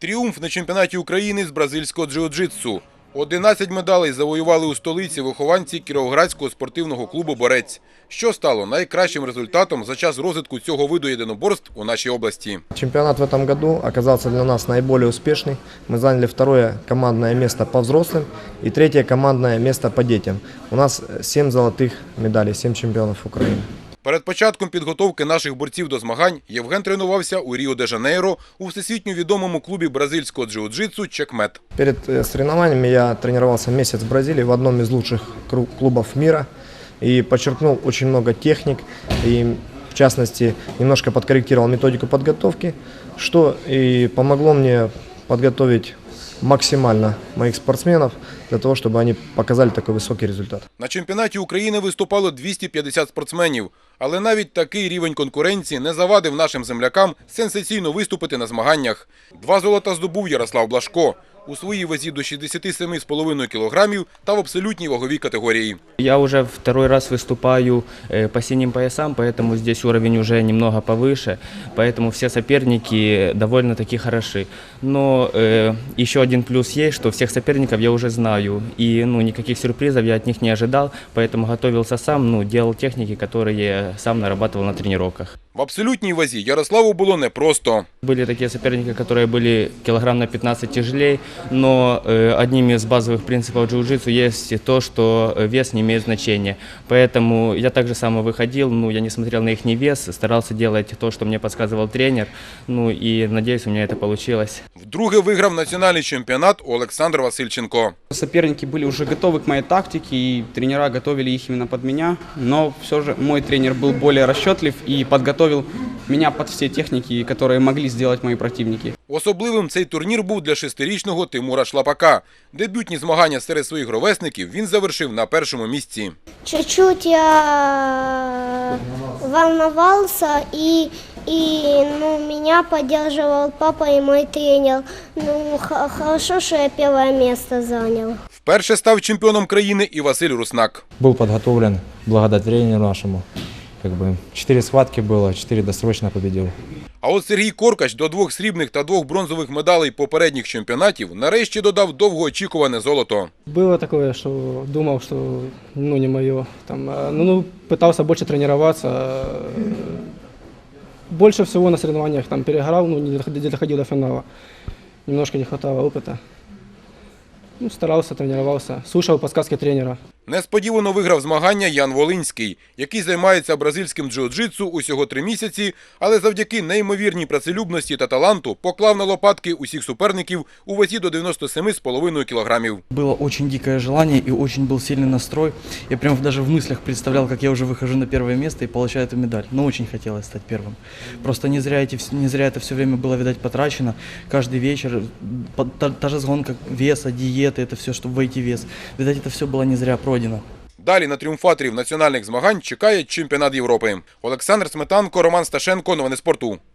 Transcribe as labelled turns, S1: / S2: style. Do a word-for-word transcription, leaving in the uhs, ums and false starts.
S1: Тріумф на чемпіонаті України з бразильського джиу-джитсу. одинадцять медалей завоювали у столиці вихованці Кіровоградського спортивного клубу «Борець», що стало найкращим результатом за час розвитку цього виду єдиноборств у нашій області.
S2: Чемпионат в этом году оказался для нас наиболее успешный. Мы заняли второе командное место по взрослым и третье командное место по детям. У нас семь золотых медалей, семь чемпионов Украины.
S1: Перед початком підготовки наших борців до змагань Євген тренувався у Ріо-де-Жанейро у всесвітньо відомому клубі бразильського джиу-джитсу «Чекмет».
S2: Перед соревнованиями я тренировался месяц в Бразилии в одном из лучших клубов мира и подчеркнул очень много техник и, в частности, немножко подкорректировал методику подготовки, что и помогло мне подготовить максимально моих спортсменов для того, чтобы они показали такой высокий результат.
S1: На чемпіонаті України виступало двісті п'ятдесят спортсменів, але навіть такий рівень конкуренції не завадив нашим землякам сенсаційно виступити на змаганнях. Два золота здобув Ярослав Блашко у своїй вазі до шістдесят сім з половиною кілограмів та в абсолютній ваговій категорії.
S3: Я уже второй раз выступаю по синим поясам, поэтому здесь уровень уже немного повыше, поэтому все соперники довольно-таки хороши. Но э, еще один плюс есть, что всех соперников я уже знаю, и ну, никаких сюрпризов я от них не ожидал, поэтому готовился сам, ну, делал техники, которые сам нарабатывал на тренировках.
S1: В абсолютній вазі Ярославу було непросто.
S3: Были такие соперники, которые были килограмм на пятнадцать тяжелее, но э, одним из базовых принципов джиу-джитсу есть то, что вес не имеет значения. Поэтому я также само выходил, ну, я не смотрел на их вес, старался делать то, что мне подсказывал тренер, ну и надеюсь, у меня это получилось.
S1: Вдруге виграв національний чемпіонат Олександр Васильченко.
S4: Соперники были уже готовы к моей тактике, и тренера готовили их именно под меня, но все же мой тренер был более расчетлив и подготовил меня под все техники, которые могли сделать мои противники.
S1: Особливим цей турнір був для шестирічного Тимура Шлапака. Дебютні змагання серед своїх ровесників він завершив на першому місці.
S5: Чуть-чуть я волновался, и, и ну, меня поддерживал папа и мой тренер. Ну, хорошо, что я первое место занял.
S1: Вперше став чемпіоном країни і Василь Руснак.
S6: Был подготовлен благодаря тренеру нашему. Как бы четыре схватки было, четыре досрочно победил.
S1: А от Сергій Коркач до двох срібних та двох бронзових медалей попередніх чемпіонатів нарешті додав довгоочікуване золото.
S7: Было такое, что думал, что ну не мое. Там, ну, ну, пытался больше тренироваться. Больше всего на соревнованиях там переиграл, ну, не доходил до финала. Немножко не хватало опыта. Ну, старался, тренировался, слушал подсказки тренера.
S1: Несподівано виграв змагання Ян Волинський, який займається бразильським джиу-джитсу усього три місяці, але завдяки неймовірній працелюбності та таланту поклав на лопатки усіх суперників у вазі до дев'яноста семи з половиною кілограмів.
S8: Было очень дикое желание и очень был сильный настрой. Я прям даже в мыслях представлял, как я уже выхожу на первое место и получаю эту медаль. Но очень хотелось стать первым. Просто не зря, эти, не зря это все время было, видать, потрачено. Каждый вечер, та, та же сгонка веса, диеты, это все, чтобы войти в вес. Видать, это все было не зря пройдено.
S1: Далі на тріумфаторів національних змагань чекає чемпіонат Європи. Олександр Сметанко, Роман Сташенко. Новини спорту.